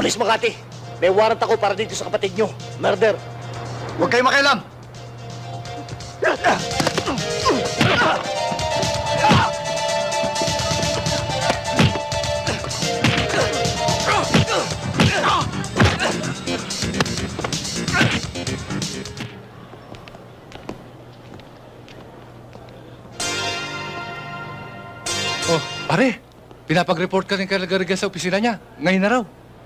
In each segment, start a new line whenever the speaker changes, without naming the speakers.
Pulis Makati, may warrant ako para dito sa kapatid nyo. Murder.
Huwag kayong makialam!
Oh, pare, pinapag-report ka rin kay Garga sa opisina niya. Ngayon na raw.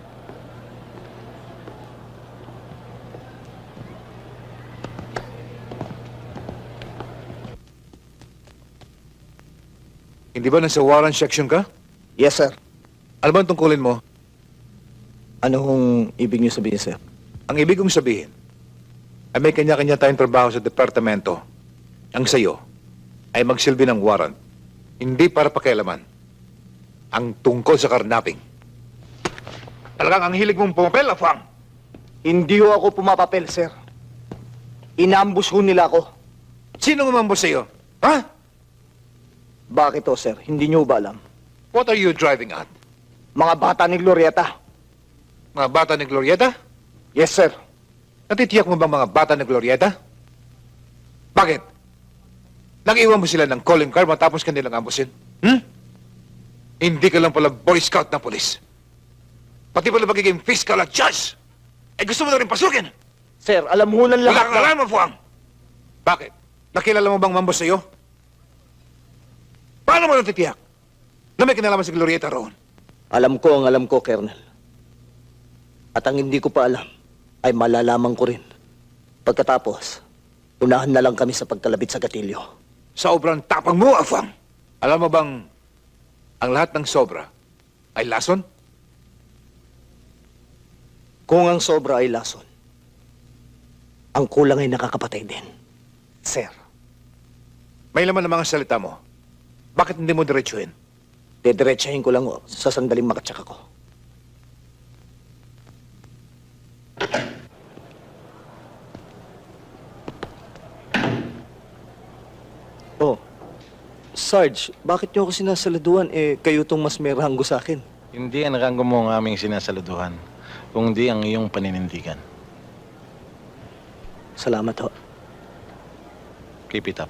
Hindi ba nasa warrant section ka?
Yes, sir.
Ano ba ang tungkulin mo?
Ano hong ibig niyo sabihin, sir?
Ang ibig kong sabihin, ay may kanya-kanya tayong trabaho sa departamento. Ang sayo ay magsilbi ng warrant. Hindi para pakialaman. Ang tungkol sa karnaping. Talagang ang hilig mong pumapel, Afang.
Hindi ho ako pumapapel, sir. Inambus ho nila ako.
Sino umambos sa'yo? Ha?
Bakit ho, sir? Hindi niyo ba alam?
What are you driving at?
Mga bata ni Glorieta.
Mga bata ni Glorieta?
Yes, sir.
Natitiyak mo bang mga bata ni Glorieta? Bakit? Nag-iwan mo sila ng calling card matapos kanilang ambusin? Hindi ka lang pala Boy Scout ng polis. Pati pala magiging fiscal at judge. Eh gusto mo na rin pasukin?
Sir, alam ho ng
Wala
lahat
kang alam, Fuang. Bakit? Nakilala mo bang mambos sa'yo? Paano mo natitiyak na may kinalaman si Glorieta roon?
Alam ko ang alam ko, Colonel. At ang hindi ko pa alam ay malalaman ko rin. Pagkatapos, unahan na lang kami sa pagkalabit sa gatilyo.
Sobrang tapang mo, Afang. Alam mo bang ang lahat ng sobra ay lason?
Kung ang sobra ay lason, ang kulang ay nakakapatay din. Sir,
May laman ng mga salita mo. Bakit hindi mo diretsuhin?
dediretsahin ko lang sa sandaling makatsak ako. Oh, Sarge, bakit niyo ako sinasaladuhan? Kayo tong mas may ranggo sa akin.
Hindi ang ranggo mo ang aming sinasaluduhan, kundi ang iyong paninindigan.
Salamat ho.
Keep it up.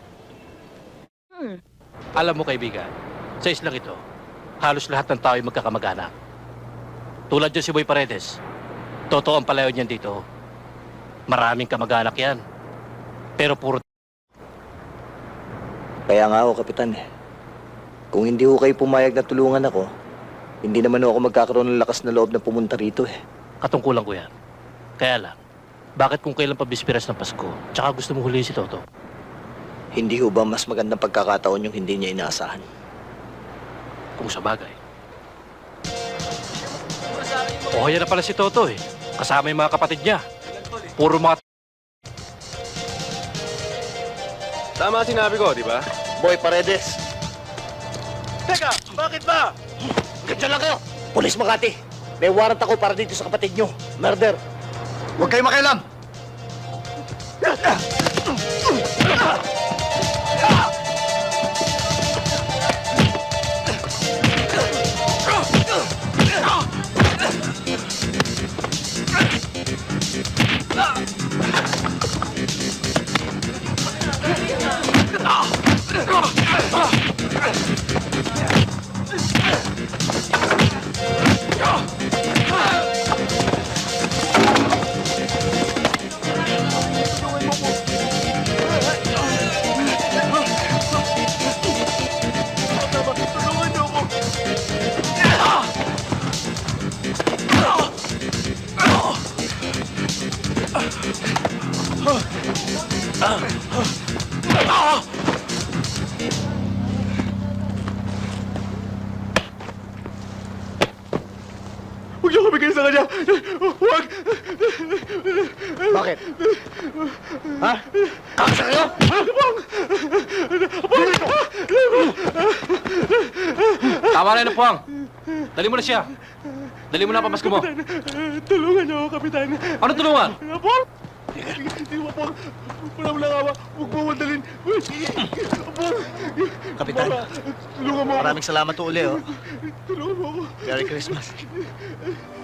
Alam mo, kaibigan, sa islang ito, halos lahat ng tao ay magkakamag-anak. Tulad dyan si Boy Paredes. Totoo ang palayo niyan dito. Maraming kamag-anak yan. Pero puro
Kaya nga ako, Kapitan Kung hindi ho kayo pumayag na tulungan ako, hindi naman ho ako magkakaroon ng lakas na loob na pumunta rito
katungkulan ko yan. Kaya lang, bakit kung kailan pa bispiras ng Pasko, tsaka gusto mo huliin si Toto?
Hindi ho ba mas magandang pagkakataon yung hindi niya inaasahan?
Kung sa bagay. O, yan na pala si Toto Kasama yung mga kapatid niya. Puro mga
Tama sinabi ko, di ba?
Boy Paredes!
Teka, bakit ba?
Ganyan lang kayo! Pulis Makati! May warrant ako para dito sa kapatid nyo. Murder!
Huwag kayong makialam!
Huwag niyo kumigil sa kanya! Huwag!
Bakit? Ha? Kakasa kayo?
Tama na yun, Puwang. Dali mo na siya. Dali mo na pamasko mo.
Tulungan niyo ako, Kapitan!
Ano tulungan?
Apol! Hindi mo, Apol! Wala mo lang awa! Huwag mo madalin! Apol!
Kapitan,
Tulungan mo ako!
maraming salamat uli
Tulungan mo ako!
Merry Christmas.